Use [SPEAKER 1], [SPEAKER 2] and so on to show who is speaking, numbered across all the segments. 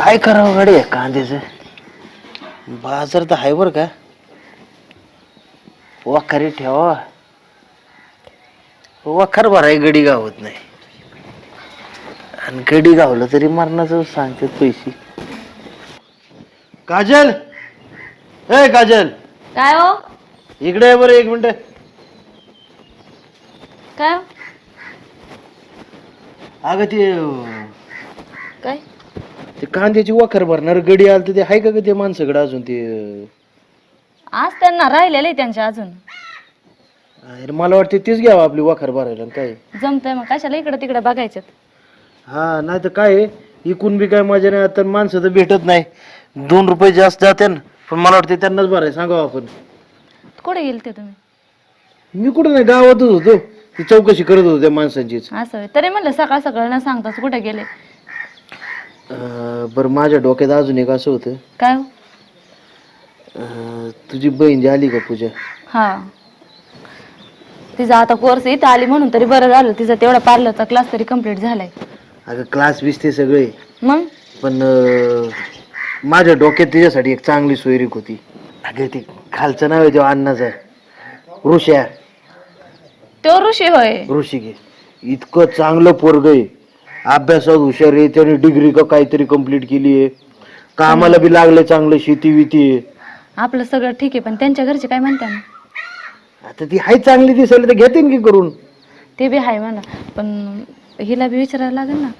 [SPEAKER 1] काय करावं गाडी कांद्याचं बाजार तर आहे बर का वाखारी ठेवा वाखार भराय गडी गावत नाही आणि गडी गावलं तरी मरणाचं सांगतात पैसे. काजल ए काजल
[SPEAKER 2] काय हो
[SPEAKER 1] इकडे आहे बरं 1 मिनिट.
[SPEAKER 2] काय हो?
[SPEAKER 1] अगं
[SPEAKER 2] काय
[SPEAKER 1] ते कांद्याची वाखर भरणार गडी आलं तर ते आहे का ग ते माणसाकडे अजून ते
[SPEAKER 2] आज त्यांना राहिलेलं आहे त्यांच्या अजून.
[SPEAKER 1] अरे मला वाटतं तेच घ्यावं आपली वाखर भरायला काय
[SPEAKER 2] जमतंय मग कशाला इकडे तिकडे बघायचं.
[SPEAKER 1] हा नाही तर काय इकून बी काय मजा नाही आता माणसं तर भेटत नाही 2 रुपये जास्त जाते ना पण मला वाटतं त्यांनाच भराय सांगावं आपण.
[SPEAKER 2] कुठे गेलते तुम्ही?
[SPEAKER 1] मी कुठं नाही गावातच होतो ती चौकशी करत होतो त्या माणसांचीच.
[SPEAKER 2] असं होय. तरी म्हणलं सकाळ सकाळ न सांगताच कुठे गेले.
[SPEAKER 1] बरं माझ्या डोक्यात अजून एक असं होतं
[SPEAKER 2] काय हो?
[SPEAKER 1] तुझी बहीण जी आली का पूजा
[SPEAKER 2] हा तिचा आता कोर्स इथं आली म्हणून तरी बरं झालं. तिचा तेवढा पार्लरचा क्लास तरी कम्प्लीट झालाय.
[SPEAKER 1] अगं क्लास बीस ते सगळे
[SPEAKER 2] मग
[SPEAKER 1] पण माझ्या डोक्यात तिच्यासाठी एक चांगली सोयरीक होती. अगं ते खालचं नाव आहे तेव्हा अण्णाचं ऋषा
[SPEAKER 2] तो ऋषी होय.
[SPEAKER 1] ऋषिके इतकं चांगलं पोरग आहे अभ्यासात हुशार आहे त्याने डिग्री का काहीतरी कंप्लीट केली आहे कामाला बी लागले चांगलं शेती विती आहे.
[SPEAKER 2] आपलं सगळं ठीक आहे पण त्यांच्या घरचे काय म्हणतात ना.
[SPEAKER 1] आता ती हाय चांगली दिसायला तर घेते की करून.
[SPEAKER 2] ते बी आहे म्हणा पण हिला बी विचारायला लागेल ना.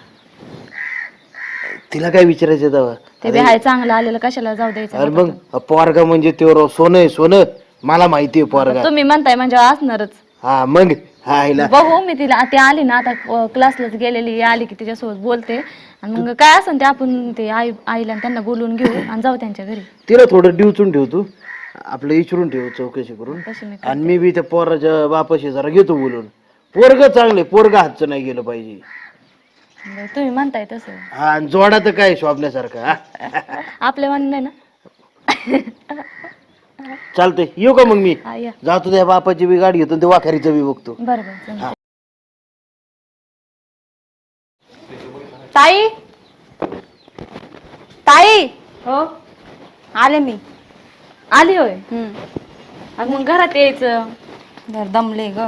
[SPEAKER 1] तिला काय विचारायचं तेव्हा
[SPEAKER 2] ते बी आहे चांगलं आलेलं कशाला जाऊ द्यायचं.
[SPEAKER 1] अरे मग पोरगा म्हणजे ते सोनं आहे सोनं मला माहिती आहे पोरगा.
[SPEAKER 2] तुम्ही म्हणताय म्हणजे असणारच.
[SPEAKER 1] हा मग हायला
[SPEAKER 2] बघू मी तिला ती आली ना आता क्लासलाच गेलेली आली की तिच्यासोबत बोलते आणि मग काय असेल ते आपण ते आईला त्यांना बोलून घेऊ आणि जाऊ त्यांच्या घरी.
[SPEAKER 1] तिला थोडं डिवचून ठेव तू आपलं विचारून ठेव चौकशी करून आणि मी बी त्या पोराच्या बापाशी जरा घेतो बोलून. पोरग चांगले पोरग हातचं नाही गेलं पाहिजे.
[SPEAKER 2] तुम्ही म्हणताय तसं.
[SPEAKER 1] हा जोडा तर काय शोभल्यासारखा
[SPEAKER 2] आपल्या मान नाही ना.
[SPEAKER 1] चालतंय येऊ का मग मी
[SPEAKER 2] हा, या.
[SPEAKER 1] जातो त्या बापाची बी गाडी घेतो ते वाखारीचं बी बघतो.
[SPEAKER 2] बरोबर. ताई ताई हो आले मी. आली होय. आणि मग घरात यायचं. घर दमले ग.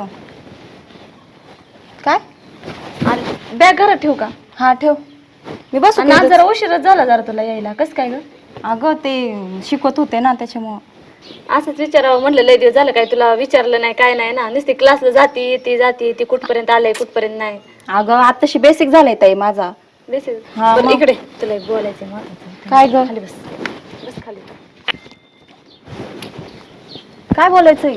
[SPEAKER 2] काय बॅग घरात ठेवू का? हा ठेव. मी बस जरा उशीरच झाला जरा तुला यायला. कसं काय ग? अगं ते शिकवत होते ना त्याच्यामुळं असंच विचारावं म्हणलं. लय दिवस झालं काय तुला विचारलं नाही काय नाही ना. नुसती क्लासला जाती ती कुठपर्यंत आलंय कुठपर्यंत नाही. अगं आताशी बेसिक झालंय ताई माझा. बेसिक इकडे तुला बोलायचं महत्वाचं. काय ग? खाली बस बस खाली. काय बोलायचंय?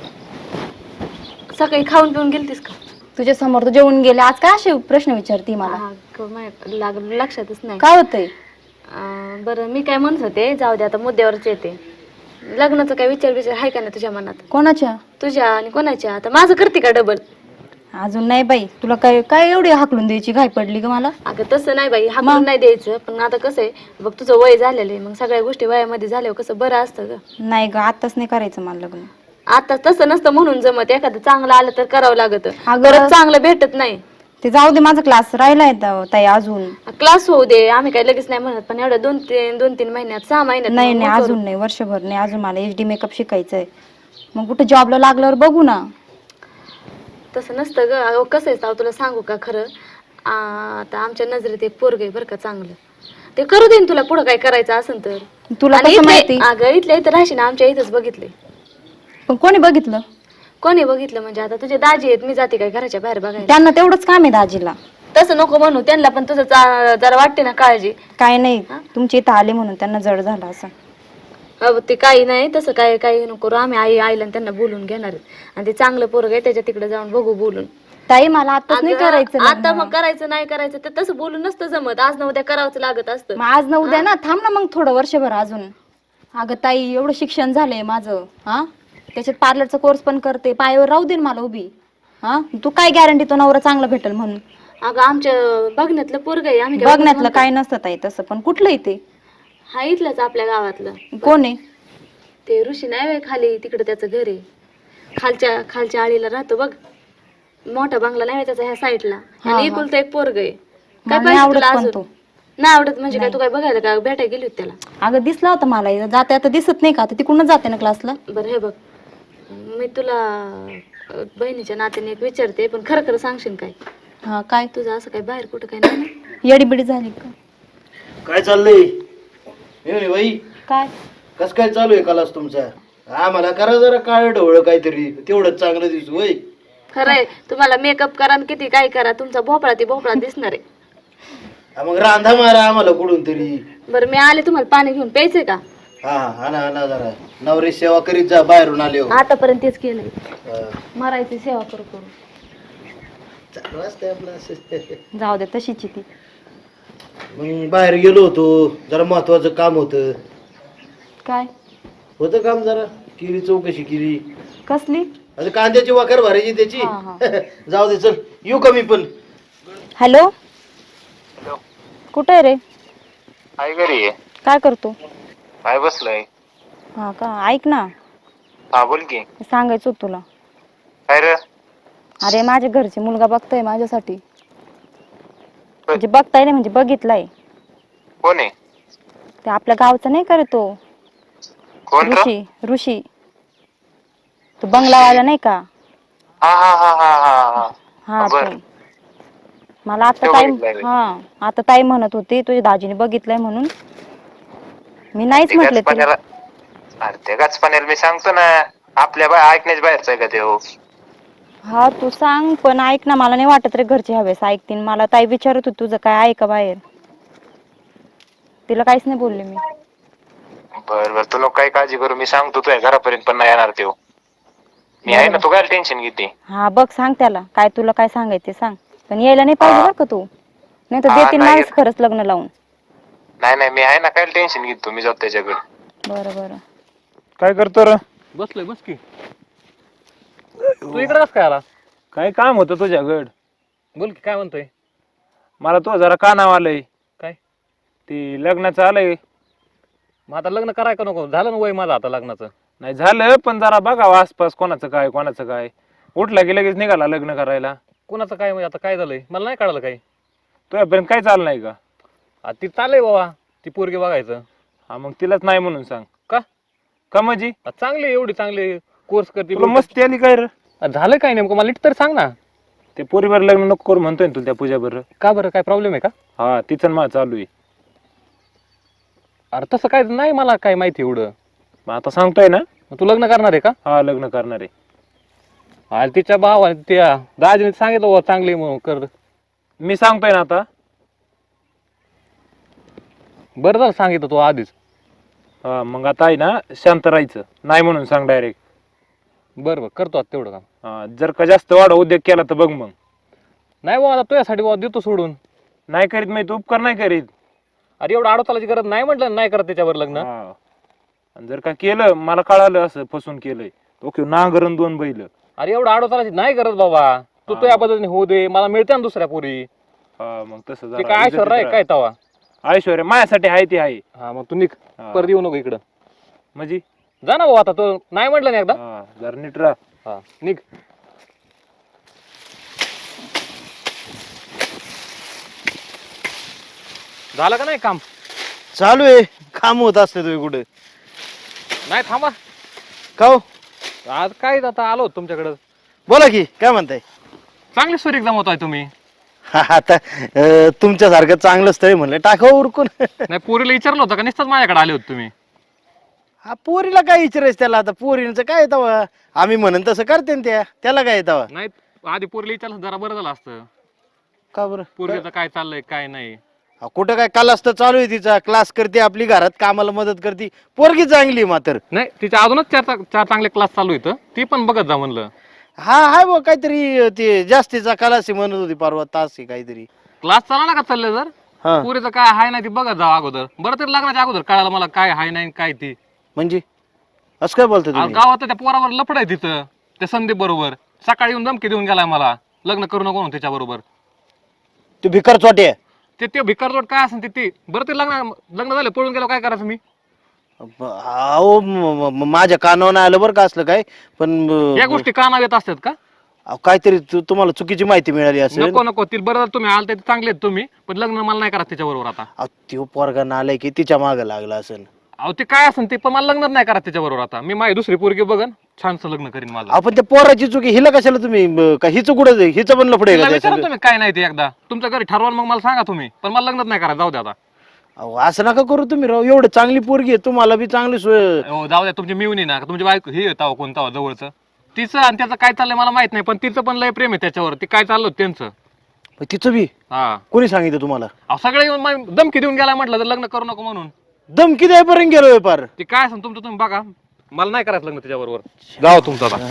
[SPEAKER 2] सकाळी खाऊन पिऊन गेलतीस का? तुझ्या समोर तू जेवून गेले आज काय असे प्रश्न विचारते मला? लक्षातच नाही. काय होतंय? बरं मी काय म्हणत होते जाऊ दे आता मुद्द्यावरच येते. लग्नाचं काय विचार आहे का नाही तुझ्या मनात? कोणाच्या? तुझ्या आणि कोणाच्या? आता माझं करते का डबल? अजून नाही बाई. तुला काय काय एवढी हाकलून द्यायची घाई पडली का मला? अगं तसं नाही बाई हाकलून नाही द्यायचं पण आता कसं आहे बघ तुझं वय झालेलं आहे मग सगळ्या गोष्टी वयामध्ये झाल्यावर कसं बरं असतं ग. नाही ग आताच नाही करायचं मला लग्न. आता तसं नसतं म्हणून जमत. एखादं चांगलं आलं तर करावं लागत. अगं चांगलं भेटत नाही. ते जाऊ दे माझा क्लास राहिलाय ताई अजून. क्लास होऊ दे आम्ही काही लगेच नाही म्हणत पण एवढ्या 2-3 महिन्यात 6 महिन्यात नाही नाही अजून नाही वर्षभर नाही अजून मला HD मेकअप शिकायचंय. मग कुठे जॉबला लागल्यावर बघू ना. तसं नसतं ग. कसं आहे तुला सांगू का खरं आता आमच्या नजरेत एक पोरग आहे बरं का चांगलं. ते करू दे तुला पुढं काय करायचं असेल तर. तुला माहिती? अगं इथल्या इथं राहशी ना आमच्या इथंच बघितलंय. पण कोणी बघितलं? कोणी बघितलं म्हणजे आता तुझे दाजी आहेत मी जाते काय घराच्या बाहेर बघायला. त्यांना तेवढंच काम आहे दाजीला. तसं नको म्हणू त्यांना पण तुझं जरा वाटते ना काळजी. काय नाही तुमच्या इथं आले म्हणून त्यांना जड झालं असं. ते काही नाही तसं काय काही नको करू. आम्ही आईला त्यांना बोलून घेणार आणि ते चांगलं पोरग आहे त्याच्या तिकडे जाऊन बघू बोलून. ताई मला आता नाही करायचं. आता मग करायचं नाही करायचं तर तसं बोलून नसतं जमत. आज न उद्या करावंच लागत असतं. आज न उद्या ना थांब ना मग थोडं वर्षभर अजून. अगं ताई एवढं शिक्षण झालंय माझं. हा त्याच्यात पार्लरचा कोर्स पण करते पायावर राहू दे मला उभी. हा तू काय गॅरंटी तो नवरा चांगला भेटेल म्हणून? अगं आमच्या बघण्यातलं पोरग आहे. आम्ही बघण्यातलं काय नसतं ताई तसं पण कुठलंही ते. हा इथलंच आपल्या गावातलं. कोण आहे ते? ऋषी नाही खाली तिकडे त्याचं घर आहे. खालच्या आळीला राहतो बघ. मोठा बंगला नाही त्याचा ह्या साईडला. आणि एकुलता एक पोरग आहे. काय पाहिजे तुला अजून? नाही आवडत म्हणजे काय? तू काय बघायला का भेटायला गेली होती त्याला? अगं दिसला होता मला, जाते आता दिसत नाही का? आता तिकडूनच जाते ना क्लासला. बरं हे बघ, मी तुला बहिणीच्या नात्याने एक विचारते, पण खरं खरं सांगशील काय? हा काय? तुझं असं काय बाहेर कुठं काय नाही ना? येडीबिडी झाली का?
[SPEAKER 1] काय चाललंय मेवणी बाई?
[SPEAKER 2] काय
[SPEAKER 1] कस काय चालू आहे क्लास तुमचा? आम्हाला करा जरा काळ ढवळ काहीतरी, तेवढंच चांगलं दिसू वय.
[SPEAKER 2] खरंय, तुम्हाला मेकअप करा आणि किती काय करा, तुमचा भोपळा ती भोपळा दिसणार आहे.
[SPEAKER 1] मग रांधा मारा आम्हाला कुठून तरी.
[SPEAKER 2] बरं मी आले, तुम्हाला पाणी घेऊन प्यायचंय का?
[SPEAKER 1] हा आणा जरा, नवरी सेवा करीत जा बाहेरून आले हो.
[SPEAKER 2] आतापर्यंत तेच केलंय, मरायची सेवा करू करू.
[SPEAKER 1] चालू असतंय आपलं असं.
[SPEAKER 2] जाऊ दे, तशीच ती.
[SPEAKER 1] मग बाहेर गेलो होतो, जरा महत्वाचं काम होतं.
[SPEAKER 2] काय
[SPEAKER 1] होतं काम जरा, केली चौकशी केली.
[SPEAKER 2] कसली?
[SPEAKER 1] आता कांद्याची वाकर भरायची त्याची. जाऊ दे, चल येऊ का मी पण.
[SPEAKER 2] हॅलो, कुठे रे?
[SPEAKER 3] काय घरी आहे?
[SPEAKER 2] काय करतो?
[SPEAKER 3] काय बसलंय?
[SPEAKER 2] हा का, ऐक ना,
[SPEAKER 3] हा बोल की.
[SPEAKER 2] सांगायचं होतं तुला.
[SPEAKER 3] काय रे?
[SPEAKER 2] अरे माझ्या घरचे मुलगा बघताय माझ्यासाठी. म्हणजे बघताय नाही, म्हणजे बघितलाय.
[SPEAKER 3] कोण आहे?
[SPEAKER 2] ते आपल्या गावचा नाही का रे तो,
[SPEAKER 3] कोण रे?
[SPEAKER 2] ऋषी. ऋषी तो बंगलावाला नाही का?
[SPEAKER 3] हा हा हा हा हा
[SPEAKER 2] हा
[SPEAKER 3] बर.
[SPEAKER 2] तो. मला आता
[SPEAKER 3] तो
[SPEAKER 2] ताई,
[SPEAKER 3] बघितलाय रे.
[SPEAKER 2] आता ताई म्हणत होती तुझ्या दाजीने बघितलंय म्हणून. मी नाहीच
[SPEAKER 3] ते
[SPEAKER 2] म्हटले तिला.
[SPEAKER 3] गाचपाण्याला, अरे ते गाचपाण्याला मी सांगतो ना, आपल्या ऐकण्याच्या बाहेरचं आहे का ते? हो.
[SPEAKER 2] हा तू सांग, पण ऐक ना, मला नाही वाटत रे घरचे हवेस ऐकतील. मला ताई विचारत होती तुझं काय आहे का बाहेर. तिला काहीच नाही बोलले मी.
[SPEAKER 3] बर बर, तू नको काही काळजी करू, मी सांगतो तुझ्या घरापर्यंत पण नाही येणार ते. मी आहे ना, तू काय टेन्शन घेते?
[SPEAKER 2] हा बघ, सांग त्याला काय तुला काय सांगायचं सांग, पण यायला नाही पाहिजे बरं का तू, नाही तर देतील
[SPEAKER 3] नाही
[SPEAKER 2] माणूस खरंच लग्न लावून.
[SPEAKER 3] नाही मी आहे ना, काय टेन्शन घेतो, मी जातो त्याच्याकडे.
[SPEAKER 2] बरं बरं.
[SPEAKER 4] काय करतो रे?
[SPEAKER 5] बसलोय, बस की. तू इकडे कस काय आला?
[SPEAKER 4] काय काम होतं तुझ्याकडं?
[SPEAKER 5] बोल की, काय म्हणतोय?
[SPEAKER 4] मला तो जरा कानाव आलंय.
[SPEAKER 5] काय?
[SPEAKER 4] ती लग्नाचं आलंय.
[SPEAKER 5] मग आता लग्न कराय का नको? झालं ना वय माझं आता लग्नाचं.
[SPEAKER 4] नाही झालं, पण जरा बघावं आसपास कोणाचं काय. उठला की लगेच निघाला लग्न करायला.
[SPEAKER 5] कुणाचं काय म्हणजे आता काय झालंय मला नाही कळलं काही.
[SPEAKER 4] तुझ्यापर्यंत काय चाललं नाही का?
[SPEAKER 5] ती चाललंय बाबा, ती पोरगी बघायचं.
[SPEAKER 4] हा मग तिलाच नाही म्हणून सांग.
[SPEAKER 5] का?
[SPEAKER 4] का म्हणजे?
[SPEAKER 5] चांगली एवढी चांगली कोर्स करते.
[SPEAKER 4] तुला मस्ती आली काय रे?
[SPEAKER 5] झालं काय नेमकं मला नीट तरी सांग ना.
[SPEAKER 4] ते पोरीवर लग्न नको करू म्हणतोय ना तुला त्या पूजा बरं.
[SPEAKER 5] का बरं, काय प्रॉब्लेम आहे का?
[SPEAKER 4] हा तिचं मा चालू आहे.
[SPEAKER 5] अरे तसं काय नाही, मला काय माहिती एवढं.
[SPEAKER 4] मग आता सांगतोय ना.
[SPEAKER 5] मग तू लग्न करणार आहे का?
[SPEAKER 4] हा लग्न करणार आहे.
[SPEAKER 5] अरे तिच्या भावाने त्या दाजीने सांगितलं बाबा चांगली म्हणून कर.
[SPEAKER 4] मी सांगतोय ना आता.
[SPEAKER 5] बरं झालं सांगितलं तू आधीच.
[SPEAKER 4] हा मग आता आहे ना, शांत राहायचं, नाही म्हणून सांग डायरेक्ट.
[SPEAKER 5] बरं करतो आता तेवढं काम.
[SPEAKER 4] हा जर का जास्त वाढ उद्योग केला तर बघ मग.
[SPEAKER 5] नाही बाबा, आता तुझ्यासाठी बाबा देतो सोडून.
[SPEAKER 4] नाही करीत मी तू उपकार नाही करीत.
[SPEAKER 5] अरे एवढं आडोतालाची गरज नाही म्हटलं, नाही करत त्याच्यावर लग्न.
[SPEAKER 4] हा. आणि जर का केलं, मला कळालं असं फसून केलंय, ओके नांगरण 2 बैल.
[SPEAKER 5] अरे एवढं आडोतालाची नाही करत बाबा. तू तुझ्या पद्धतीने होऊ दे, मला मिळते ना दुसऱ्या पोरी.
[SPEAKER 4] हा मग तसं
[SPEAKER 5] ते काय ऐश्वर्या आहे काय तवा?
[SPEAKER 4] ऐश्वर्या माझ्यासाठी आहे ती आहे.
[SPEAKER 5] हा मग तू निघ,
[SPEAKER 4] हा.
[SPEAKER 5] परत येऊ नको इकडं.
[SPEAKER 4] म्हणजे
[SPEAKER 5] जा ना भाऊ, आता तो नाही म्हटलं ना एकदा.
[SPEAKER 4] हा जरा नीट राहा.
[SPEAKER 5] हा निघ. झालं का नाही काम?
[SPEAKER 1] चालू आहे काम होत असते तुम्ही कुठे?
[SPEAKER 5] नाही थांबा.
[SPEAKER 1] का हो?
[SPEAKER 5] आज काय आता आलो तुमच्याकडं.
[SPEAKER 1] बोला की, काय म्हणताय?
[SPEAKER 5] चांगली सुरी एक्झाम होत आहे तुम्ही.
[SPEAKER 1] आता तुमच्यासारखं चांगलं स्थळ म्हणलं टाकावं उरकून.
[SPEAKER 5] नाही पोरीला विचारलं होतं का? नुसतंच माझ्याकडे आले होते तुम्ही.
[SPEAKER 1] हा पोरीला काय विचारायचं त्याला, आता पोरींचं काय येतं, आम्ही म्हणून तसं करते ना त्याला काय येतं.
[SPEAKER 5] नाही आधी पोरीला विचारलं जरा बरं झालं असतं.
[SPEAKER 1] का बरं?
[SPEAKER 5] पोरीचं काय चाललंय काय नाही.
[SPEAKER 1] हा, कुठं काय क्लास तर चालू आहे तिचा, क्लास करते आपली, घरात कामाला मदत करते, पोरगी चांगली मात्र.
[SPEAKER 5] नाही तिच्या अजूनच चार चांगले क्लास चालू आहेत, ती पण बघत जा म्हणलं.
[SPEAKER 1] हा हाय बघ काहीतरी ते जास्तीचा क्लास म्हणत होती परवा, तास आहे काहीतरी.
[SPEAKER 5] क्लास चालला ना का चालले जर
[SPEAKER 1] हा
[SPEAKER 5] पुरीचं काय हाय नाही ती बघत जा अगोदर. बरं तरी लग्नाच्या अगोदर कळालं मला काय हाय नाही काय ती.
[SPEAKER 1] म्हणजे असं काय बोलतो तुम्ही?
[SPEAKER 5] गावात त्या पोरावर लफड आहे तिथं, त्या संदीप बरोबर. सकाळी येऊन धमकी देऊन गेलाय मला, लग्न करू नको म्हणून त्याच्या बरोबर.
[SPEAKER 1] तू भिकार चोटे.
[SPEAKER 5] ते भिकारजोड काय असेल ते बरं ते लग्न झालं पळून गेलो काय करायचं मी?
[SPEAKER 1] अहो माझ्या कानावर नाही आलं बरं का असलं काय, पण
[SPEAKER 5] या गोष्टी कानावर येत असतात का?
[SPEAKER 1] अहो, काहीतरी तुम्हाला चुकीची माहिती मिळाली असेल.
[SPEAKER 5] नको नको ती बरं तुम्ही आलते चांगले आहेत तुम्ही, पण लग्न मला नाही करा त्याच्याबरोबर आता.
[SPEAKER 1] अहो, त्यो पोरगा नालाय की तिच्या मागे लागला असेल.
[SPEAKER 5] अहो ते काय असेल ते, पण मला लग्न नाही करा त्याच्याबरोबर आता. मी माझी दुसरी पोरगी बघन, छानसं लग्न करीन माझं.
[SPEAKER 1] आपण त्या पोराची चुकी हिला कशाला तुम्ही का हिचं कुठं हिचं पण लफडे
[SPEAKER 5] तिला
[SPEAKER 1] का
[SPEAKER 5] विचारा
[SPEAKER 1] त्याचं?
[SPEAKER 5] तुम्ही काय नाही ते एकदा तुमच्या घरी ठरवा, मग मला सांगा तुम्ही, पण मला लग्नच नाही करा. जाऊ द्या आता.
[SPEAKER 1] अहो, असं नका करू तुम्ही राव. एवढं चांगली पोरगी आहे, तुम्हाला बी चांगली सोय.
[SPEAKER 5] हो जाऊ द्या, तुमची मिळून ना तुमची बायको हे येतावं कोणता जवळचं तिचं आणि त्याचं काय चाललंय मला माहित नाही, पण तिचं पण लय प्रेम आहे त्याच्यावर. ती काय चाललं होतं त्यांचं.
[SPEAKER 1] मग तिचं बी
[SPEAKER 5] हा
[SPEAKER 1] कोणी सांगितलं तुम्हाला?
[SPEAKER 5] अहो सगळे येऊन धमकी देऊन गेला म्हटलं तर लग्न करू नको म्हणून.
[SPEAKER 1] दमकी द्यायपर्यंत गेलो व्यापार.
[SPEAKER 5] ते काय असेल तुमचं तुम्ही बघा, मला नाही करायचं लग्न त्याच्याबरोबर. गाव तुमचं आता.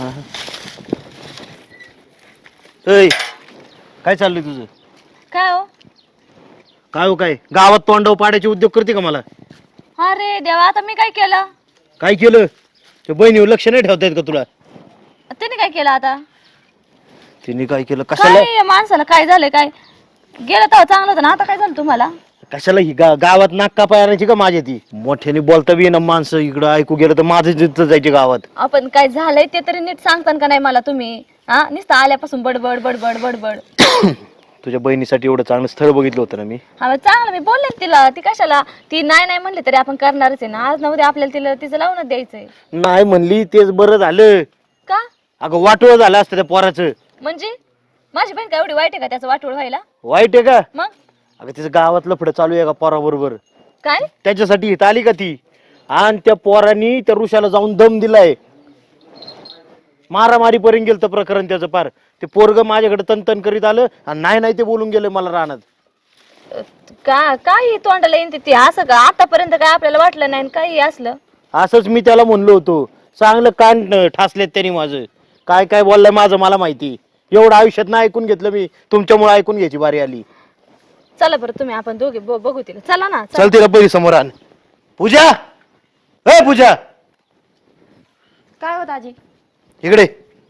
[SPEAKER 1] ऐ, काय चाललंय तुझं?
[SPEAKER 2] काय हो?
[SPEAKER 1] काय हो काय गावात तोंडाव पाड्याचे उद्योग करते का मला?
[SPEAKER 2] अरे देवा, आता मी काय केलं?
[SPEAKER 1] काय केलं? ते बहिणीवर लक्ष नाही ठेवता येत का तुला?
[SPEAKER 2] त्याने काय केलं आता?
[SPEAKER 1] तिने काय केलं? कशाला
[SPEAKER 2] काय या माणसाला काय झालंय? काय गेलं तर चांगलं होतं ना, आता काय झालं तुम्हाला?
[SPEAKER 1] कशाला ही गावात नाक कापाय आणायची का माझ्या? ती मोठ्याने बोलता बी ना माणसं इकडं ऐकू गेलं तर माझं जिथं जायचे गावात.
[SPEAKER 2] आपण काय झालंय ते तरी नीट सांगतान का नाही मला तुम्ही? हा, नुसतं आल्यापासून बडबड बडबड बडबड.
[SPEAKER 1] तुझ्या बहिणीसाठी एवढं चांगलं स्थळ बघितलं होतं ना मी.
[SPEAKER 2] हा मग चांगलं मी बोलले ना तिला. ती कशाला, ती नाही नाही म्हणली तरी आपण करणारच आहे ना. आज ना उद्या आपल्याला तिला तिचं लावून द्यायचंय.
[SPEAKER 1] नाही म्हणली तेच बरं झालं.
[SPEAKER 2] का
[SPEAKER 1] अगं वाटोळ झालं असतं त्या पोराचं.
[SPEAKER 2] म्हणजे माझी बहीण काय एवढी वाईट आहे का त्याचं वाटोळ व्हायला?
[SPEAKER 1] वाईट आहे का?
[SPEAKER 2] मग
[SPEAKER 1] अगं तिचं गावातलं पुढे चालू आहे का पोराबरोबर?
[SPEAKER 2] काय?
[SPEAKER 1] त्याच्यासाठी इथं आली का ती? आणि त्या पोरांनी त्या ऋषाला जाऊन दम दिलाय. मारामारी पर्यंत गेलं प्रकरण त्याचं पार. ते पोरग माझ्याकडे तनतन करीत आलं आणि नाही नाही ते बोलून गेलं मला रानात.
[SPEAKER 2] का काही तोंडाला येईन ती असं का? आतापर्यंत काय आपल्याला वाटलं नाही काही असलं.
[SPEAKER 1] असंच मी त्याला म्हणलो होतो. चांगलं कान ठासलेत त्यांनी माझं. काय काय बोललंय माझं मला माहिती. एवढं आयुष्यात नाही ऐकून घेतलं मी, तुमच्यामुळे ऐकून घ्यायची बारी आली.
[SPEAKER 2] चला बरं तुम्ही आपण दोघे बघू तिला. चला ना.
[SPEAKER 1] चल तिला पहिली समोर आण. पूजा, ए पूजा,
[SPEAKER 2] काय होत आजी?
[SPEAKER 1] इकडे.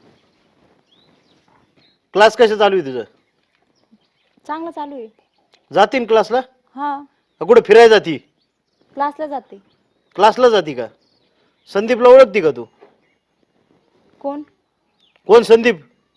[SPEAKER 1] क्लास कशा चालू आहे तुझं?
[SPEAKER 2] चांगलं चालू आहे.
[SPEAKER 1] जातीन क्लासला?
[SPEAKER 2] हा,
[SPEAKER 1] का कुठे फिरायला जाती?
[SPEAKER 2] क्लासला जाते.
[SPEAKER 1] क्लासला जाती का? संदीपला ओळखती का तू?
[SPEAKER 2] कोण
[SPEAKER 1] कोण संदीप?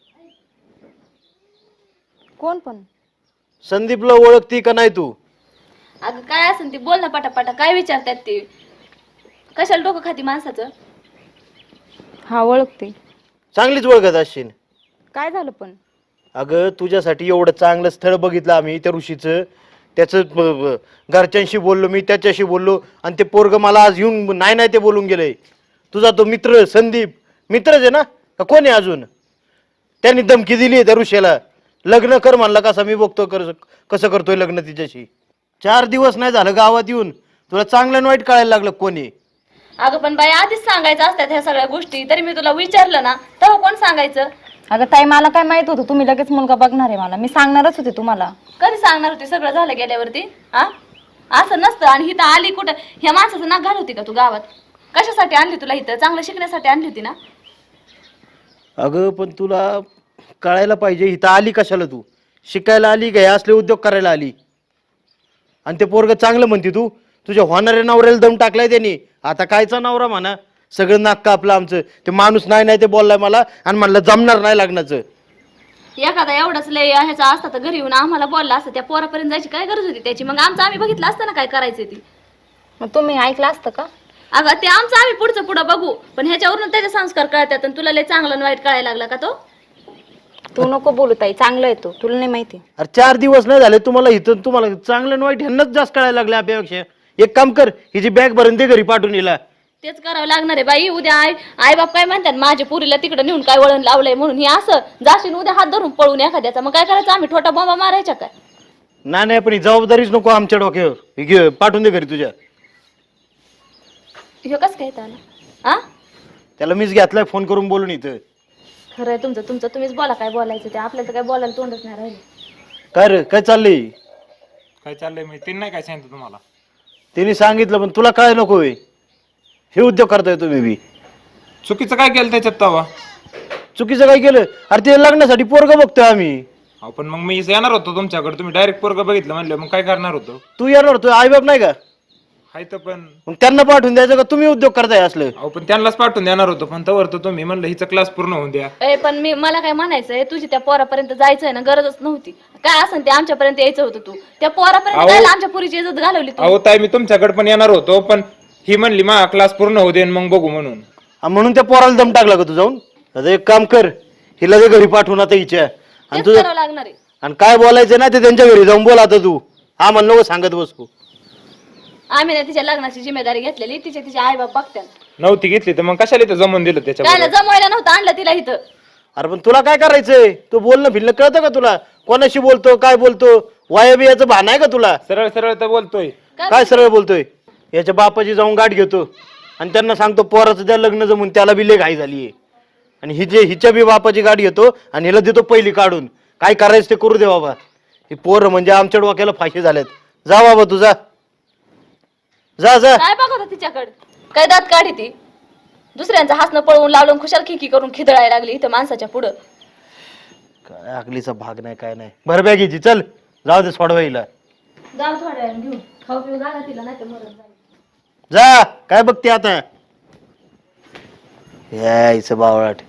[SPEAKER 2] कोण पण?
[SPEAKER 1] संदीपला ओळखती का नाही तू?
[SPEAKER 2] अगं काय असेल ती बोल ना पटापटा. काय विचारतात ते? कशाला डोकं खाती माणसाचं? हा ओळखते.
[SPEAKER 1] चांगलीच ओळखत असशील.
[SPEAKER 2] काय झालं पण?
[SPEAKER 1] अगं तुझ्यासाठी एवढं चांगलं स्थळ बघितलं आम्ही त्या ऋषीचं. त्याचं घरच्यांशी बोललो मी, त्याच्याशी बोललो आणि ते पोरग मला आज येऊन नाही नाही ते बोलून गेलंय. तुझा तो मित्र संदीप मित्रच आहे ना का कोण आहे अजून? त्यांनी धमकी दिली त्या ऋषीला. लग्न कर म्हणला. कसा मी बघतो कसं करतोय लग्न तिच्याशी. 4 दिवस नाही झालं गावात येऊन, तुला चांगलं आणि वाईट कळायला लागलं कोणी?
[SPEAKER 2] अगं पण बाई आधीच सांगायचं असतात ह्या सगळ्या गोष्टी. तरी मी तुला विचारलं ना, तेव्हा कोण सांगायचं?
[SPEAKER 6] अगं ताई, मला काय माहित होतं तुम्ही लगेच मुलगा बघणार आहे? मला मी सांगणारच होते तुम्हाला.
[SPEAKER 2] कधी सांगणार होती सगळं झालं गेल्यावरती? हा, असं नसतं. आणि हिथं आली कुठं? ह्या माणसाचं नाक घाल होती का तू गावात? कशासाठी आणली तुला इथं? चांगलं शिकण्यासाठी आणली होती ना?
[SPEAKER 1] अगं पण तुला कळायला पाहिजे इथं आली कशाला तू? शिकायला आली का? हे असले उद्योग करायला आली? आणि ते पोरग चांगलं म्हणते तू. तुझ्या होणाऱ्या नवऱ्याला दम टाकलाय त्यांनी. आता कायचा नवरा म्हणा? सगळं नाक कापलं आमचं. ते माणूस नाही नाही ते बोललाय मला आणि म्हणलं जमणार नाही लग्नाचं.
[SPEAKER 2] एखादा एवढंच लय ह्याचा असता तर घरी येऊन आम्हाला बोलला असतं. त्या पोरापर्यंत जायची काय गरज होती त्याची? मग आमचं आम्ही बघितलं असतं ना काय करायचं ती.
[SPEAKER 6] मग तुम्ही ऐकलं असतं का?
[SPEAKER 2] अगं ते आमचं आम्ही पुढचं पुढं बघू, पण ह्याच्यावरून त्याचे संस्कार कळतात. आणि तुला लय चांगलं आणि वाईट कळायला लागला का तो?
[SPEAKER 6] तू नको बोलू ताई, चांगलं येतो तुला नाही माहिती.
[SPEAKER 1] अरे 4 दिवस नाही झाले तुम्हाला इथं. तुम्हाला चांगलं आणि वाईट ह्यांनाच जास्त कळायला लागलं आपल्यापेक्षा. एक काम कर, हिची बॅग भरून दे घरी पाठवून हिला.
[SPEAKER 2] तेच करावं लागणार आहे बाई. उद्या आई बाप काय म्हणतात, माझ्या पुरीला तिकडे नेऊन काय वळण लावलंय म्हणून. हे असं जाशील उद्या हात धरून पळून एखाद्याचा, मग काय करायचं? आम्ही छोटा बॉम्बा मारायचा काय?
[SPEAKER 1] नाही पण ही जबाबदारीच नको आमच्या डोक्यावर. ही घे पाठवून दे घरी तुझ्या.
[SPEAKER 2] हे कसं काय त्याला? हा,
[SPEAKER 1] त्याला मीच घेतलाय फोन करून बोलून इथं.
[SPEAKER 2] खरं आहे तुमचं तुमचं तुम्हीच बोला काय बोलायचं ते. आपल्याला तर काय बोलायला तोंडच नाही राहिले.
[SPEAKER 1] काय रे काय चाललंय?
[SPEAKER 4] काय चाललंय मी तिने नाही काय सांगितलं तुम्हाला?
[SPEAKER 1] तिने सांगितलं पण तुला काय नको होय? हे उद्योग करताय तुम्ही बी.
[SPEAKER 4] चुकीचं काय केलं त्याच्यात तवा?
[SPEAKER 1] चुकीचं काय केलं? अरे ते लग्नासाठी पोरग बघतोय आम्ही.
[SPEAKER 4] अहो पण मग मी येणार होतो तुमच्याकडे, तुम्ही डायरेक्ट पोरग बघितलं म्हणलं, मग काय करणार होतो?
[SPEAKER 1] तू येणार होतो, आई बाप नाही का?
[SPEAKER 4] हाय तर पण
[SPEAKER 1] मग त्यांना पाठवून द्यायचं का तुम्ही उद्योग करताय असलं?
[SPEAKER 4] अहो पण त्यांनाच पाठवून देणार होतो पण तवर तर तुम्ही म्हणलं हिचा क्लास पूर्ण होऊन द्या.
[SPEAKER 2] पण मला काय म्हणायचंय, तुझी त्या पोरापर्यंत जायचंय ना, गरजच नव्हती. काय असं ते आमच्यापर्यंत यायचं होतं. तू त्या पोरापर्यंत जायला आमच्या पुरीची इज्जत घालवली तू.
[SPEAKER 4] अहो ताई मी तुमच्याकडे पण येणार होतो पण ही म्हणली मा क्लास पूर्ण होऊ दे आणि मग बघू म्हणून.
[SPEAKER 1] म्हणून त्या पोराला दम टाकला का तू जाऊन? आता एक काम कर, हिला ते घरी पाठवून आता हिच्या आणि
[SPEAKER 2] तेच
[SPEAKER 1] तुझं
[SPEAKER 2] करावं लागणार आहे.
[SPEAKER 1] आणि काय बोलायचं ना ते त्यांच्या घरी जाऊन बोल आता तू. हा म्हणलं नको सांगत बसू.
[SPEAKER 2] आम्ही ना तिच्या लग्नाची जिम्मेदारी घेतलेली, तिचे आई बाप बघतात.
[SPEAKER 4] नव्हती घेतली तर मग कशाला इथं जमून दिलं त्याच्या.
[SPEAKER 2] काय जमवायला नव्हतं आणलं तिला इथं.
[SPEAKER 1] अरे पण तुला काय करायचंय? तू बोलणं फिरणं कळतं का तुला? कोणाशी बोलतो, काय बोलतो? वाया बियाचं भान आहे का तुला?
[SPEAKER 4] सरळ सरळ तर बोलतोय.
[SPEAKER 1] काय सरळ बोलतोय? याच्या बापाची जाऊन गाठ घेतो आणि त्यांना सांगतो पोराचं त्या लग्न जमून त्याला बी लय घाई झालीये. आणि हिच्या बी बापाची गाठ घेतो आणि हिला देतो पहिली काढून. काय करायचं ते करू दे बाबा. ही पोरं म्हणजे आमच्या डोक्याला फाशी झाल्यात. जा बाबा तुझा, जा जा.
[SPEAKER 2] काय बघत तिच्याकडे? काय दात काढी ती? दुसऱ्यांचं हसणं पळवून लावलं, खुशाल खिकी करून खिदळायला लागली इथं माणसाच्या पुढं.
[SPEAKER 1] काय अकलीचा भाग नाही, काय नाही. भर बॅग हिची, चल जाऊ दे सोडवा हिला.
[SPEAKER 2] जाऊ थोड्या वेळाने घेऊन, खाऊ पिऊ घाला तिला, नाही तर मरण जाईल.
[SPEAKER 1] जा, काय बघते आता? यायचं बावळाट.